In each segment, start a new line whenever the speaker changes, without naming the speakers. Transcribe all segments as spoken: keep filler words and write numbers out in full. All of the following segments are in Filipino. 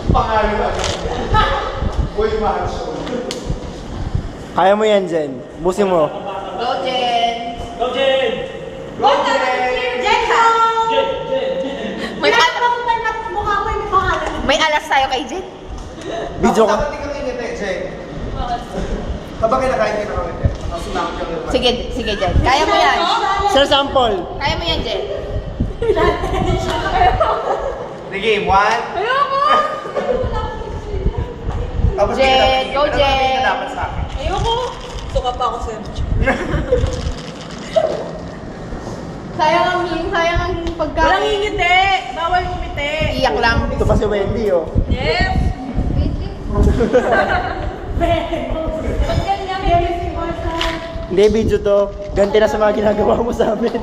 Pangalan ba? Uy, mahal siya.
Kaya mo yan, Jen. Busin mo.
Go, Jen!
Go, Jen!
Go, Jen! Jen, go!
Jen! Jen!
May, al may alas tayo kay Jen.
Video ka.
Dapat di kang ingiti, Jeng. Habang kinakain ka na kami, nakasunakot ka rin.
Sige, sige, Jen. Kaya mo yan.
Sir, sample.
Kaya mo yan, Jen.
The game, one.
Ayoko!
Tapos
Jen,
hindi ka dapat-
go,
ano ba
Jen.
hindi ka dapat sa akin?
Ayoko!
Suka pa ako sa'yo.
Sayang ang hing, sayang ang pagkain.
Walang ngingiti! Bawal ngumiti!
Iyak lang.
Ito pa si Wendy, oh.
Yes! Ba't ganyan?
Hindi, video to. Ganti na sa mga ginagawa mo sa amin.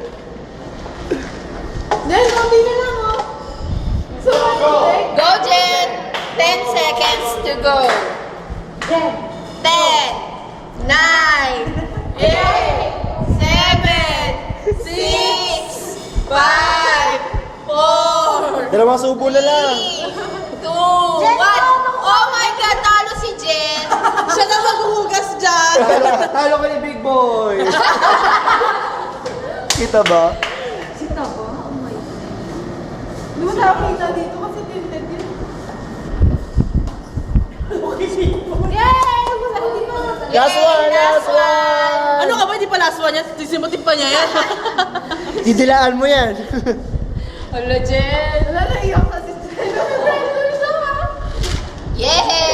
Jen, konti na lang, oh. So, go, Jen! Ten seconds to go. Jen. Ten, nine, eight, seven, six, five, four,
Dalawang subo na lang.
three, two, one. Oh my God, talo si Jen.
Siya na maghuhugas dyan!
Talo, talo ka ni Big Boy. Kita ba?
Di mo tayo kita dito kasi tinted yun.
Yay!
Last one, last one.
Ano ka ba? Hindi pa last one yan? Sisimutin pa niya yan.
Didilaan mo yan.
Hello, Jen. Wala na iyak kasi Jen. Yay!